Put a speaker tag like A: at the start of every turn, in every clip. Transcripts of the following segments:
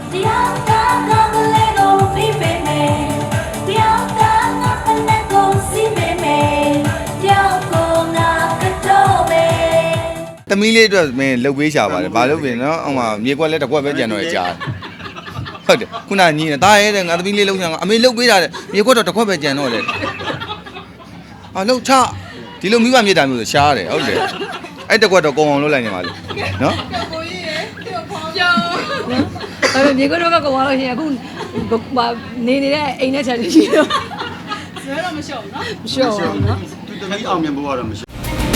A: သမီးလေးအတွက်မင်းလှုပ်ပေးရှာပါတယ်ဘာလို့ပြင်နော်အောင်မမြေကွက်လက်တစ်ကွက်ပဲကြံတော့ရကြားဟုတ်တယ်ခုနညီနေတာရဲတဲ့ငါသမီးလေးလှုပ်ရှာအမေလှုပ်ပေးတာတဲ့မြေကွက်တော့တစ်ခွက်ပဲကြံတော့လေလှုပ်ချဒီလိုမိဘမြေတာမျိုးဆိုရှားတယ်ဟုတ်တယ်အဲ့တစ်ခွက်တော့ကုံအောင်လုပ်လိုက်နေပါလေနော်
B: အဲ့မြေကွက်တော့ကုံအောင်လို့ရှင်အခုနေနေတဲ့အိမ်နဲ့ချက်ရှိတော့ဇွဲတော့မလျှော့ဘူးနော်မလျှော့ဘူးနော်
C: သူတမီးအောင်မြင်ဖို့ကတော့မရှိ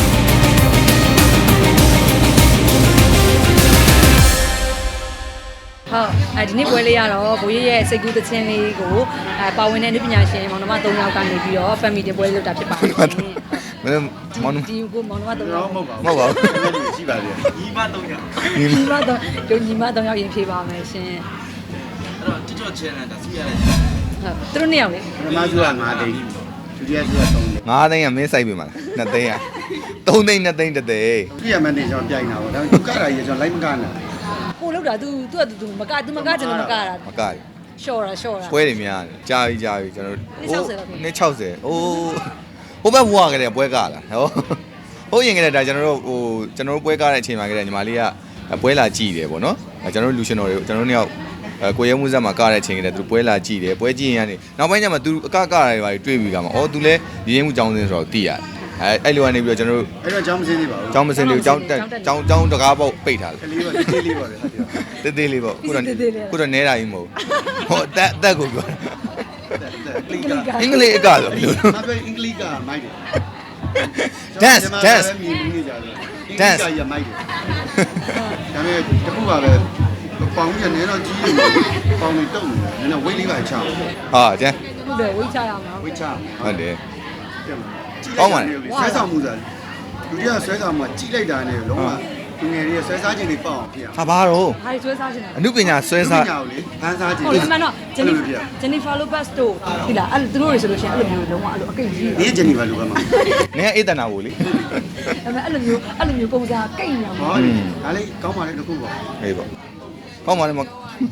B: ဟုတ်ဒီနေ့ပွဲလေးရတော့ဘိုးရဲ့စိတ်ကူးသချင်းလေးကိုပါဝင်တဲ့နည်းပညာရှင်မောင်နှမ3ယောက်ကနေပြီးတော့ family တင်ပွဲလေးလုပ်တာဖြစ်ပါတယ်
A: မင်းမောင်နှမ
B: ဒီကိုမောင်နှမ3ယောက်
C: မဟုတ်ပါဘူးရှိပါသေးတယ်ညီမ3ယောက်
B: ညီမ3ယောက်ရင်ဖြေပါမယ်ရှင်
C: အဲ့တော့TikTok channel ကစီးရတယ်
B: ဟုတ်သူတို့2ယောက်လေ
C: ပထမစုက9သိန်းဒုတိယစုက3သိန်း
A: 9သိန်းကမင်းစိုက်ပြီမလား2သိန်းက3သိန်း2သိန်း1သိန်း
C: ပြရမနေကျွန်တော်ပြိုင်တာပေါ့ဒါပေမဲ့သူကတာကြီးကျွန်တော်လိုက်မကနာ
B: ကိုလောက်တာ तू မကကျွန်တော်မကတာ
A: မက
B: ရှော့တာ
A: ပွဲတွေများတယ်ကြာပြီကျွန်တော်နှစ်60အိုးဟိုဘက်ဘွားကလေးပွဲကားလားဟိုရင်ကလေးဒါကျွန်တော်တို့ပွဲကားတဲ့အချိန်မှာကလေးညီမလေးကပွဲလာကြည့်တယ်ပေါ့နော်ကျွန်တော်တို့လူရှင်တော်တွေကျွန်တော်တို့နှစ်ယောက်ကိုရဲမှုဇက်မှာကားတဲ့အချိန်ကလေးသူပွဲလာကြည့်တယ်ပွဲကြည့်ရင်ကနေနောက်ပိုင်းကျမှသူအကရတယ်ပါတွေ့ပြီးကမှာသူလဲရင်းမှုចောင်းစင်းဆိုတော့သိရတယ်အဲ့လိုကနေပြီးတော့ကျွန်တော်တို့
C: အဲ့တော့ចောင်းမစင်းသေးပါဘူး
A: ចောင်းမစင်းသေးဘူးចောင်းတကားပေါက်ပိတ်ထားတယ်
C: ကလေးပါတေးလေးပါလေဟုတ်တယ်
A: တေးလေးပေါ့ခုတော့နဲတာကြီးမဟုတ်ဟိုအသက်ကိုပြောအင်္ဂလိပ်အကဆိုဘယ်လို
C: မပြောအင်္ဂလိပ်ကမိုက်တယ်
A: dance
C: မြင်နေကြတယ်အင်္ဂလိပ်ကရမိုက်တယ်ဒါပေမဲ့တခုပါပဲပေါင်းရနေတော့ကြီးနေပေါင်းနေတုံနေတယ်နည်းနည်းဝိတ်လေးပါချအောင်
A: ကျန်
B: ဟုတ်တယ်ဝိတ်ချရမှာ
C: ဝိတ်ချ
A: ဟုတ်တယ်
C: ကောင်းပါလေဆွဲဆောင်မှုဆိုတာလူတွေကဆွဲဆောင်မှုကြီးလိုက်တာနဲ့လုံးဝသူငယ်တွေကဆွဲစားခြင်းတွေပေါ့အောင်ဖြစ်အောင်
A: ဘာတော့
B: ဟာဆွဲစားခြင်း
A: အနုပညာဆွဲစား
C: ညာကိုလေဖန်စားခြင်း
B: ဟုတ်တယ်မှန်တော့ Jennifer Lopez တို့ဒီလားအဲ့သူတို့တွေဆိုလို့ရှိရင်အဲ့လိုမျိုးလုံးဝအဲ့လိုအကိတ်ကြီး
C: နေ Jennifer Lopez မှာ
A: နင်အေးတနာကိုလေ
B: အဲ့လိုမျိုးပုံစံကိတ်ညာ
C: မှာဒါလေးကောင်းပါလေတခုပေါ့
A: ဟေးပေါ့ကောင်းပါလေမ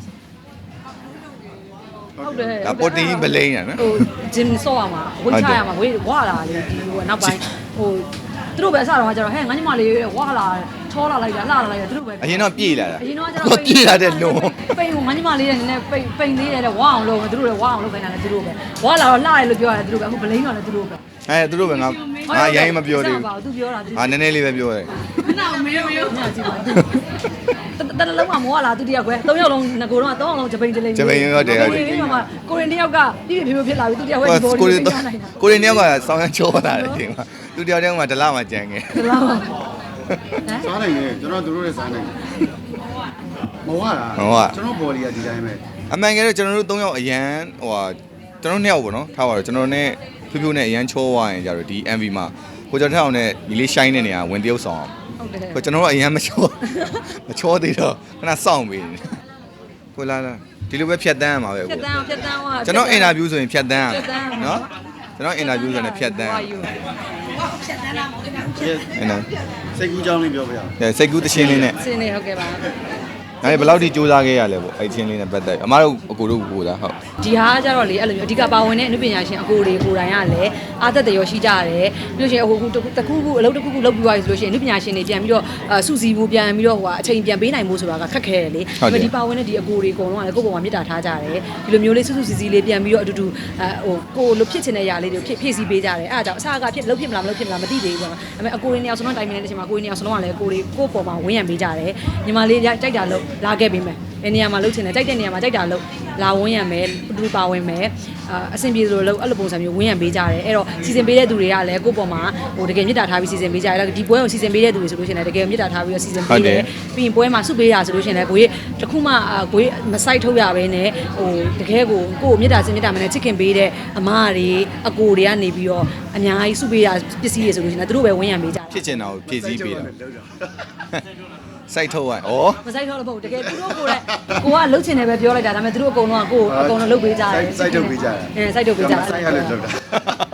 B: ဟုတ်တယ်
A: ဒါပေါ်တင်မလိမ့်ရနော်
B: ဟိုဂျင်ဆော့ရမှာဝိတ်ချရမှာဝါလာလေဒီဟိုနောက်ပိုင်းဟိုသူတို့ပဲအစတော့ကျတော့ဟဲ့ငါညီမလေးဝါလာချောလာလိုက်တာလှလာလိုက်တာသူတို့ပဲ
A: အရင်တော့ပြေးလာတာ
B: အရင်တော့ကျတော့
A: ပြေးလာတဲ့လုံး
B: ပိန်ကိုငါညီမလေးနဲ့နည်းနည်းပိန်လေးရတဲ့ဝါအောင်လုပ်သူတို့လည်းဝါအောင်လုပ်ခိုင်းတာလည်းသူတို့ပဲဝါလာတော့လှတယ်လို့ပြောရတယ်သူတို့ပဲအခုဗလိန်တော့လည်းသူတို့ပဲ
A: သူတို့ပဲငါရိုင်းမပြောသေးဘူး
B: သူပြောတာ
A: နည်းနည်းလေးပဲပြောတယ်
B: မင်းညကြည့်ပါတလုံးကမောလာသူတယောက်ကွယ်၃ယောက်လုံးငကိုတော့၃ယောက်လုံးဂျပိန်ဂျလိန်
A: ဂျပိန်ရောတယ်
B: ကိုရင်တယောက်ကပြည့်ပြည့်ဖြစ်လာပြီသူတယောက်ကဒီဘော
A: ကိုရင်တယောက်ကစောင်းရချိုးလာတယ်ဒီမှာသူတယောက်တည်းကမှဒလမှကြံငယ်
B: ဒလမှ
C: စားနိုင်တယ်ကျွန်တော်တို့လည်းစားနိုင်တယ်မဝတာကျွန်တော်ဘော်လီကဒီတိုင်းပဲ
A: အမှန်ကယ်တော့ကျွန်တော်တို့၃ယောက်အရန်ကျွန်တော်2ယောက်ပေါ့နော်ထားပါတော့ကျွန်တော်နဲ့ဖြိုးဖြိုးနဲ့အရန်ချိုးသွားရင်ကြတော့ဒီ MV မှာကိုကျော်ထက်အောင်နဲ့ဒီလေး shine တဲ့နေရာဝင်တရုပ်ဆောင်အောင်
B: ဟုတ်တယ်
A: ကျွန်တော်တို့အရန်မချိုးသေးတော့ခဏစောင့်ပေးနေကိုလာဒီလိုပဲဖြတ်တန်းရမှာပဲ
B: ဖြတ်တန်းသွား
A: ကျွန်တော်အင်တာဗျူးဆိုရင်ဖြတ်တန်းရနော်ကျွန်တော်အင်တာဗျူးဆိုရင်ဖြတ်တန်း
B: ဖြတ်တန်းလာမဟုတ်ဘူး
C: စိတ်ကူးကြောင်းလေးပြောပြရ
A: အောင်စိတ်ကူးတခြင်းလေးနဲ့
B: စင်းနေဟုတ်ကဲ့ပါ
A: ဒါဘယ်လောက်ထိစူးစမ်းခဲ့ရလဲပေါ့အဲ့ချင်းလေးနဲ့ပတ်သက်အမတို့အကိုတို့ကိုလားဟုတ်
B: ဒီဟာကကြတော့လေအဲ့လိုမျိုးအဓိကပါဝင်တဲ့အနုပညာရှင်အကိုတွေကိုယ်တိုင်ကလည်းအားသက်တယ်ရောရှိကြရတယ်ပြီးလို့ရှိရင်ဟိုတခုခုအလုပ်တစ်ခုခုလုပ်ပြီးသွားပြီဆိုလို့ရှိရင်အနုပညာရှင်တွေပြန်ပြီးတော့စုစည်းဖို့ပြန်ပြီးတော့ဟိုအချိန်ပြန်ပေးနိုင်ဖို့ဆိုတာကခက်ခဲတယ်လေဒီပါဝင်တဲ့ဒီအကိုတွေအကုန်လုံးကလည်းကိုယ့်ဘဝမှာမြစ်တာထားကြတယ်ဒီလိုမျိုးလေးစုစုစည်းစည်းလေးပြန်ပြီးတော့အတူတူဟိုကိုလိုဖြစ်ချင်တဲ့ຢာလေးတွေဖြည့်ဆည်းပေးကြတယ်အဲ့ဒါကြောင့်အစားကဖြစ်လုပ်ဖြစ်မလားမလုပ်ဖြစ်မလားမသိသေးဘူးပေါ့နော်ဒါပေမဲ့အကိုတွေနှစ်ယောက်စလုံးတိုင်ပင်တဲ့အချိန်မှာကိုတွေနှစ်ယောက်စလုံးကလည်းကိုယ့်ပေါ်မှာဝန်းရံပေးကြတယ်ညီမလေးကြိုက်တာလို့လာခဲ့ပေးမယ်ဘယ်နေရာမှာလုပ်ချင်တယ်ကြိုက်တဲ့နေရာမှာကြိုက်တာလုပ်လာဝန်းရံမယ်သူပါဝင်မယ်အဆင်ပြေလို့အဲ့လိုပုံစံမျိုးဝန်းရံပေးကြတယ်အဲ့တော့စီစဉ်ပေးတဲ့သူတွေကလည်းကိုယ့်ပေါ်မှာဟိုတကယ်မြစ်တာထားပြီးစီစဉ်ပေးကြတယ်အဲ့ဒီပွဲကိုစီစဉ်ပေးတဲ့သူတွေဆိုလို့ရှိရင်လည်းတကယ်မြစ်တာထားပြီးတော့စီစဉ်ပေးတယ်ပြီးရင်ပွဲမှာစုပေးတာဆိုလို့ရှိရင်လည်းကိုကြီးတခုမှကိုကြီးမဆိုင်ထုတ်ရဘဲနဲ့ဟိုတကယ်ကိုမြစ်တာစင်မြစ်တာမနဲ့ချစ်ခင်ပေးတဲ့အမတွေအကိုတွေကနေပြီးတော့အများကြီးစုပေးတာပစ္စည်းတွေဆိုလို့ရှိရင်သူတို့ပဲဝန်းရံပေးကြတယ်
A: ဖြစ်ချင်တာကိုဖြည့်ဆည်းပေးတာစိုက်ထုတ်ရဩ
B: မစိုက်ထုတ်လို့ပေါ့တကယ်သူတို့ကိုလည်းကိုကလှုပ်ချင်တယ်ပဲပြောလိုက်တာဒါပေမဲ့သူတို့အကုန်လုံးကကိုအကုန်လုံးလှုပ်ပေးကြတယ်
C: စိုက်ထုတ်ပေးကြတယ်
B: စိုက်ထုတ်ပေးကြတယ်
C: စိုက်ရလို့လုပ်တာ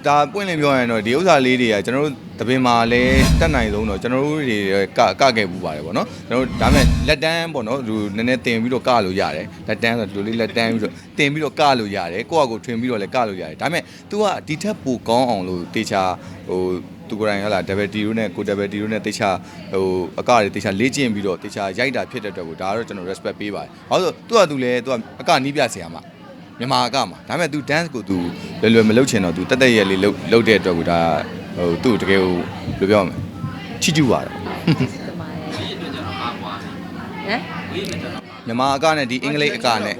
A: ဒါပွင့်လင်းပြောရင်တော့ဒီဥစ္စာလေးတွေကကျွန်တော်တို့တပင်မှာလည်းတက်နိုင်ဆုံးတော့ကျွန်တော်တို့တွေကခဲ့ပူပါတယ်ပေါ့နော်ကျွန်တော်တို့ဒါမဲ့လက်တန်းပေါ့နော်သူနည်းနည်းတင်ပြီးတော့ကလို့ရတယ်လက်တန်းဆိုလူလေးလက်တန်းပြီးတော့တင်ပြီးတော့ကလို့ရတယ်ကိုယ့်အကိုထွင်ပြီးတော့လည်းကလို့ရတယ်ဒါမဲ့ तू ကဒီထက်ပိုကောင်းအောင်လို့တေချာဟိုသူကိုယ်တိုင်ဟလာ double T တို့နဲ့ကို double T တို့နဲ့တေချာဟိုအကတွေတေချာလေ့ကျင့်ပြီးတော့တေချာရိုက်တာဖြစ်တဲ့အတွက်ကိုဒါကတော့ကျွန်တော် respect ပေးပါတယ်ဘာလို့သူကသူလည်းသူကအကနီးပြဆရာမမြန်မာအကမှာဒါမဲ့ तू dance ကို तू လွယ်မလုပ်ချင်တော့ तू တက်တက်ရဲလေးလုပ်တဲ့အတွက်ကိုဒါဟိုသူ့တကယ်ကိုဘယ်လိုပြောမလဲချစ်ကျူပါတယ်ဟမ်မြန်မာအကနဲ့ဒီအင်္ဂလိပ်အကနဲ့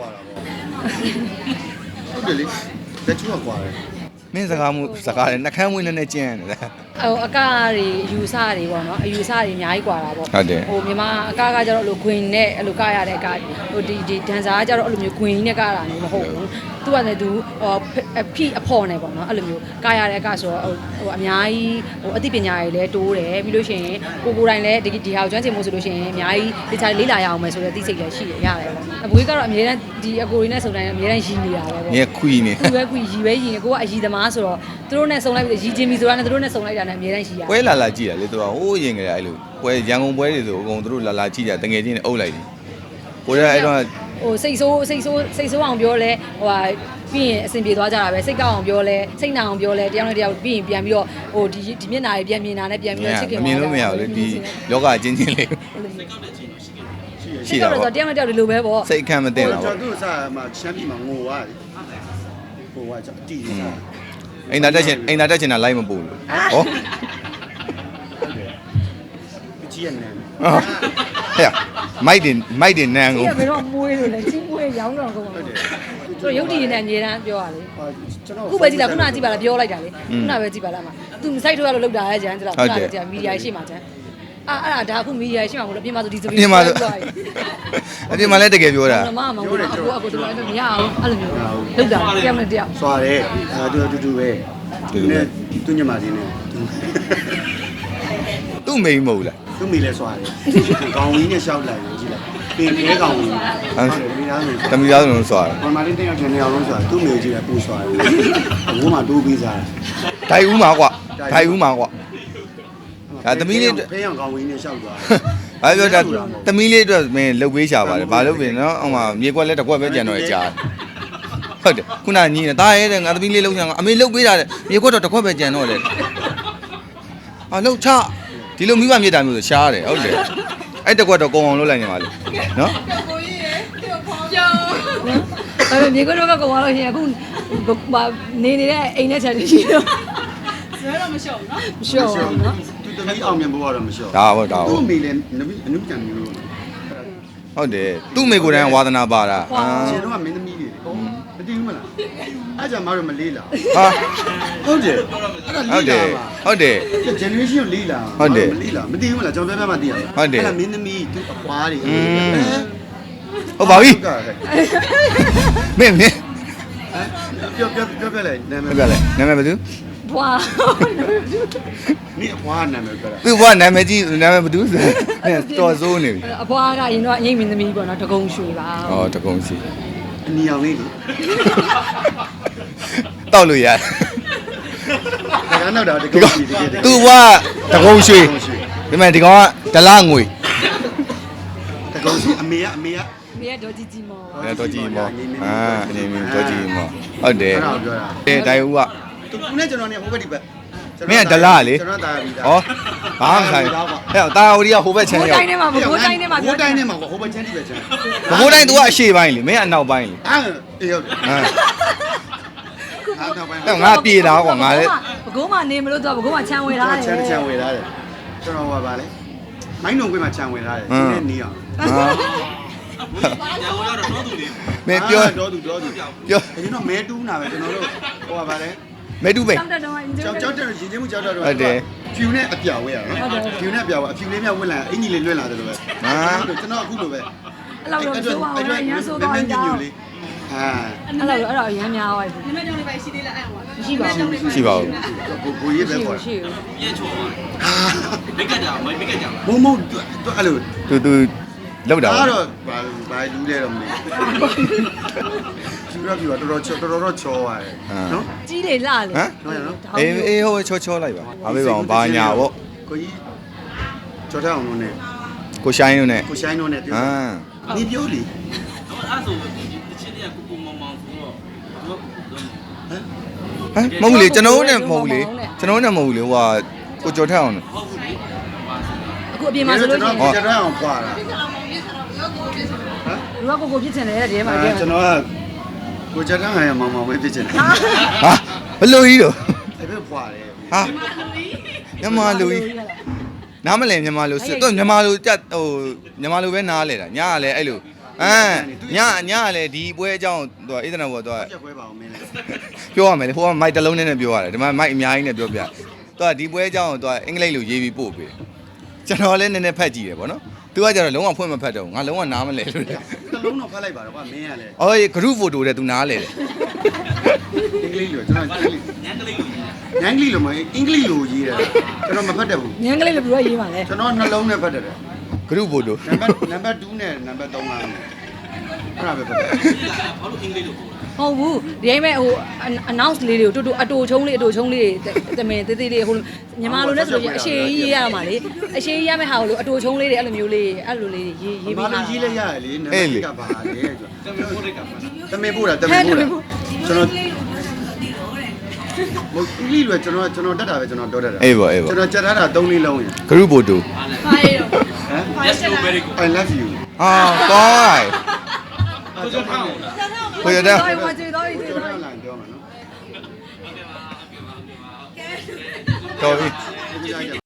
C: ဟုတ်တယ်လေလက်ချူကကွာတယ်
A: မင်းစကားလည်းနှကန်းမွေးနဲ့ကျင်းရတယ်
B: ဟိုအကတွေအယူဆတွေပေါ့နော်အယူဆတွေအများကြီးกว่าတာပေါ့
A: ဟုတ်တယ်
B: ဟိုမြန်မာအကကကျတော့အဲ့လိုခွင်နဲ့အဲ့လိုကရတဲ့အကဟိုဒီဒန်ဆာကကျတော့အဲ့လိုမျိုးခွင်ကြီးနဲ့ကရတာမျိုးမဟုတ်ဘူးသူကလည်းသူဟိုဖိအဖော်နေပေါ့နော်အဲ့လိုမျိုးကရတဲ့အကဆိုတော့ဟိုအများကြီးဟိုအသိပညာတွေလည်းတိုးတယ်ပြီးလို့ရှိရင်ကိုယ်တိုင်လည်းဒီဟာကိုကျွမ်းကျင်မှုဆိုလို့ရှိရင်အများကြီးတခြားလေးလာရအောင်မယ်ဆိုတဲ့သိစိတ်လည်းရှိရတယ်ပေါ့အဘွေးကတော့အများတန်းဒီအကိုတွေနဲ့စုံတိုင်းအများတန်းရည်နေတာပဲပေါ့
A: ငယ်ခွီနေ
B: သူပဲခွီရည်ပဲရည်နေကိုကအရည်သမားဆိုတော့သူတို့နဲ့စုံလိုက်ပြီးရည်ချင်းပြီဆိုတာနဲ့သူတို့နဲ့စုံလိုက်တာနဲ့အများတန်းရှိရတယ်
A: ပွဲလာကြည့်တာလေသူကဟိုးရင်ကြတယ်အဲ့လိုပွဲရန်ကုန်ပွဲတွေဆိုအကုန်သူတို့လာကြည့်ကြတငယ်ချင်းနဲ့အုပ်လိုက်တယ်ကိုရဲအဲ့တော့
B: ဟိုစိတ်ဆိုးအောင်ပြောလဲဟိုဟာပြီးရင်အဆင်ပြေသွားကြတာပဲစိတ်ကောက်အောင်ပြောလဲစိတ်နာအောင်ပြောလဲတယောက်နဲ့တယောက်ပြီးရင်ပြန်ပြီးတော့ဟိုဒီမျက်နှာတွေပြန်မြင်တာနဲ့ပြန်ပြီးတော့ချစ်ခင်
A: မြင်လို့မရဘူးလေဒီလောကအချင်းချင်းလေး
B: ရှိတာပေါ့တယောက်နဲ့တယောက်ဒီလိုပဲပေါ့
A: စိတ်ခံမတင်တာပေါ့
C: ကျွန်တော်တို့စားမှာချမ်းပြီမှာငိုသွားတယ်ဟိုကကြောက်တီးနေတာ
A: အိမ်သာတက်ချင်တာလိုက်မပို့လို့ဟော
C: ကြည့်ရနေ
A: ဟဲ့မိုက်တင်နန်းကို
B: ဘယ်တော့မွေးလို့လဲချင်းမွေးရောင်းတော့ကုန်ပါဘူးသူရုပ်တည်နေတဲ့အမြဲတမ်းပြောရလေခုပဲကြည့်လားခုနကြည့်ပါလားပြောလိုက်တာလေခုနပဲကြည့်ပါလားမသူမဆိုင်ထိုးရလို့လောက်တာရဲ့ကျန်ကျလားခုနကကြည့်မီဒီယာရှိမှကျန်အဲ့ဒါအခုမီဒီယာရှိမှမလို့အပြင်မှာဆိုဒီစပီး
A: အပြင်မှာလည်းတကယ်ပြောတာ
B: မမမဟုတ်ဘူးအခုသူလည်းမရအောင်အဲ့လိုမျိုးလောက်တာတယောက်နဲ့တယောက်
C: စွာတယ်သူအတူတူပဲသူညမလေးနဲ့
A: သူ့မိန်မဟုတ်လား
C: သူ့မိလဲစွာတယ်ခေါင်းဝင်းနဲ့ရှောက်လိုက်ကြည့်လိုက်ပင်ခဲကောင်ဝင်းဟုတ်တယ်
A: တမီသားလုံးစွာတယ်
C: ဘာမှလည်းတင်းအောင်နေအောင်လုံးစွာသူ့မိကြည့်လိုက်ပူစွာတယ်ဘိုးမှတိုးပြီးစား
A: ဒိုင်ဦးမှာကွာဒိုင်ဦးမှာကွာဒါသမီးလေး
C: ဖေးအောင်ခေါင်းဝင်းနဲ့ရှောက်သွား
A: ဘာပြောတာသမီးလေးအတွက်မင်းလှုပ်ပေးရှာပါတယ်ဘာလို့ပြင်နော်အောင်မှာမြေကွက်လဲတစ်ကွက်ပဲကြံတော့ကြားဟုတ်တယ်ခုနညီနေတာရဲတဲ့ငါသမီးလေးလှုပ်ချင်အမေလှုပ်ပေးတာတဲ့မြေကွက်တော့တစ်ခွက်ပဲကြံတော့လေဟာလှုပ်ချဒီလိုမိဘမြေတာမျိုးဆိုရှားတယ်ဟုတ်တယ်အဲ့တစ်ခွက်တော့ကုံအောင်လှုပ်လိုက်နေပါလေနော်
B: ကိုကြီးရေပြောင်းအဲ့မြေကွက်တော့ကုံအောင်လို့ရှင်အခုနေနေတဲ့အိမ်နဲ့ချက်ရှိတော့
D: ဆွဲတော့မလျှော့ဘူးနော်
B: မလျှော့ဘူးနော်
C: သူတမီးအောင်မြင်ဖို့ကတော့မလျှော့
A: ဒါပေါ့ဒါပေါ့
C: သူ့မိလည်းအနုကြံမျိုး
A: ဟုတ်တယ်သူ့မိကိုယ်တိုင်ဝါသနာပါတာ
C: ရှင်တို့ကမင်းသမီးတွေမတည်ဘူးမလားအဲ့ကြမှာတော့မလေးလား
A: ဟာ
C: ဟုတ်တယ်
A: ဟုတ်တယ်
C: generation ကိုလေးလား
A: ဟုတ်တယ်
C: မလေးလားမတည်ဘူးမလားကျွန်တော်ပြောပြမှတည်ရမှာ
A: ဟုတ်တယ်
C: အဲ့ဒါမင်းသမီးသူ့အပွားတွေ
A: ဟုတ်ပါပြီမင်း
C: ပြောလိုက်နာမည်
A: ပြောလိုက်နာမည်ဘယ်သူ
B: ဘွာ
C: 你花နာမည်ပြောတာ
A: သူဘွာနာမည်ကြီးနာမည်ဘယ်သူတော်စိုးနေပြီ
B: အဘွားကရင်တော့အငိမ့်မင်းသမီးပေါ့နော်တကုံရွှေပါ
A: ဩတကုံစီ
C: အနီအောင်လေးလေ
A: တောက်လို့ရတယ်
C: ဒါကနောက်တော့တကုံစီတကယ်
A: သူဘွားတကုံရွှေဒီမဲ့ဒီကောင်ကဒလငွေ
C: တကုံစီအမေက
B: မေဒေါ်ကြီးမော
A: ဒေါ်ကြီးမောအနေမင်းဒေါ်ကြီးမောဟုတ်တယ်
C: အဲ့ဒါပြောတာ
A: ဒိုင်ဦးက
C: သူနဲ့ကျွန်တော်နဲ့ဟိုဘက်ဒီဘက်
A: မင်းကဒလာလေ
C: ကျွန်တော်တာယာပြီးသား
A: ဟောဘာမှဆိုင်ဟဲ့တာယာဝတီကဟိုဘက်ချမ်း
B: ရောက်ဘိုးတိုင်းထဲမှာဘိုးတိုင်းထဲမှာ
C: ဟိုဘက်ချမ်းဒီဘက်ချမ်း
A: ဘိုးတိုင်း तू ကအရှေ့ပိုင်းလေမင်းကအနောက်ပိုင်းလေ
C: အေးဟုတ်တယ်
A: ဟဲ့ငါပြေတာကွာငါလည်း
B: ဘကုန်းမှာနေမလို့ तू ဘကုန်းမှာချမ်းဝယ်ထားတယ်
C: ချမ်းဝယ်ထားတယ်ကျွန်တော်ကပါလေမိုင်းတုံကွင်းမှာချမ်းဝယ်ထားတယ်ဒီနေ့နေအောင်
A: မင်းပြော
C: တော့သူပြော
A: ကျွန်
C: တော်မဲတူးနာပဲကျွန်တော်တို့ဟိုပါလေ
A: မဲတူးပဲ
C: ကြောက်တယ်ရင်ချင်းမှုကြောက်တော့ဟုတ်တယ်ဖြူနဲ့အပြောင်ဝဲရနော်ဖြူနဲ့အပြောင်အဖြူလေးများဝက်လာအင်ကြီးလေးလွတ်လာတယ်လို့ပဲကျွန်တော်အခုလိုပဲ
B: အဲ့လောက်တော့ဆိုပါဦးရမ်းဆိုတော့
C: ညညလေး
B: အဲ့တော့ရမ်းများသွားပြီ
D: နမကြောင့်လေးပဲရှိသေးလားအဲ့ဟော
B: မရှိပါဘူး
A: ရှိပါဘူး
C: ကိုရေးပဲပေါ့
B: ရှိ
D: ပြည့်ချုံမိတ်ကကြမိတ်ကကြ
C: မုံသူအဲ့လို
A: သူလောက်တာ
C: အဲ့တော့ဘာလူလဲတော့မသိဘူးကျူရပြီတော်တော်ချောရတယ်နော်
B: ကြီးလေလှလေ
A: ဟမ်အေးဟိုချောလိုက်ပါအားပေးပါအောင်ဘာညာပေါ့
C: ကိုကြီးကြော်ထအောင်လို့နဲ့
A: ကိုရှိုင်းတို့နဲ့
C: ကိုရှိုင်းတို့နဲ့ပြော
A: ဟမ်
C: 你表里，
E: အဲ့ဆိုဒီချင်းတွေကကိုမောင်မောင်ဆိုတော့သူက
A: ဟမ်မဟုတ်ဘူးလေကျွန်တော်တို့နဲ့မဟုတ်ဘူးလေကျွန်တော်တို့နဲ့မဟုတ်ဘူးလေဟိုဟာကိုကြော်ထက်အောင်
E: ဟုတ်ဘူးလေ
B: အခုအပြင်မှာဆိုလို့ရှိရင်
C: ကျွန်တော်အောင်ပွားတာ
B: လူကကိုဖြစ်ချင်တယ်တဲ့ဒီမှာတည်း
C: ကျွန်တော်ကကိုကြော်ထဟန်ရမောင်မောင်ပဲဖြစ်ချင်တယ်
A: ဟာဘလို့ကြီးတော့
C: အဲ့ဒါပွားတယ်
A: ဟာမြန်မာလူကြီးနားမလဲမြန်မာလူစစ်တော့မြန်မာလူတက်ဟိုမြန်မာလူပဲနားလဲတာညကလည်းအဲ့လိုညကလည်းဒီပွဲအကြောင်းသူကအေးဒနာဘောသူက
C: ချက်ခွဲပါအောင်မင်းလည်း
A: ပြောရမယ်လေဟိုကမိုက်တစ်လုံးနဲ့ပြောရတယ်ဒီမှာမိုက်အများကြီးနဲ့ပြောပြသူကဒီပွဲအကြောင်းကိုသူကအင်္ဂလိပ်လိုရေးပြီးပို့ပေးတယ်ကျွန်တော်လည်းနည်းနည်းဖတ်ကြည့်တယ်ဗောနော်သူကကျတော့လုံးဝဖွင့်မဖတ်တော့ငါလုံးဝနားမလဲလို့
C: တစ်လုံးတော့ဖတ်လိုက်ပါတော့ကွာမင်းကလည်း
A: အော် group photo တဲ့သူနားလဲတယ်
C: အင်္ဂလိပ်လိုကျွန်တော်ညန်ကလေးလိုမအင်္ဂလိပ်လိုရေးတယ်ကျွန်တော်မဖတ်တတ်ဘူး
B: ညံကလေးလည်းဘယ်လိုရေးပါလဲ
C: ကျွန်တော်နှလုံးနဲ့ဖတ်တတ်တယ်
A: group photo
C: နံပါတ်2နဲ့နံပါတ်3ကအဲ့ဒါပဲဖတ်တယ်
E: ဘာလို့အင်္ဂလိပ်လိုပို့လဲ
B: ဟုတ်ဘူးဒီအိမ်မဲ့ဟို announce လေးတွေကိုတူအတူချုံးလေးတမင်သေးသေးလေးဟိုမြန်မာလိုလဲဆိုလို့ရှိရင်အရှိကြီးရရမှာလေအရှိကြီးရမယ့်ဟာကိုလို့အတူချုံးလေးတွေအဲ့လိုမျိုးလေးအဲ့လိုလေးရေး
C: ဘာ
B: ပြီး
C: လို့
B: တာ
C: ရေးလိုက်ရတယ်လေနံပါတ်ကပါလေ
E: တမင်ပို့လိုက်တာပါ
C: တမင်ပို့တာကျွန်တော်မဟုတ်အင်္ဂလိပ်လိုကျွန်တော်တက်တာပဲကျွန်တော်ပြောတတ်တာ
A: အေးပေါ့အေးပေါ့
C: ကျွန်တော်ကြက်ထားတာ3လေးလုံးရင်
A: group photo
D: ဘာလဲတော့
C: ဟမ်
E: Yes no very good
C: I love you
A: ဟာကောင်း
E: ကိုကြောက်ထောင်းလား
A: ကိုရတဲ့
B: တော့မကြည့်တော့
C: ကို
B: ကြည့်
C: ကျော်
B: တော့
C: လာပြောမှာနော်
A: တော်ပြီ
C: ဒီကြိုက်ကြပါ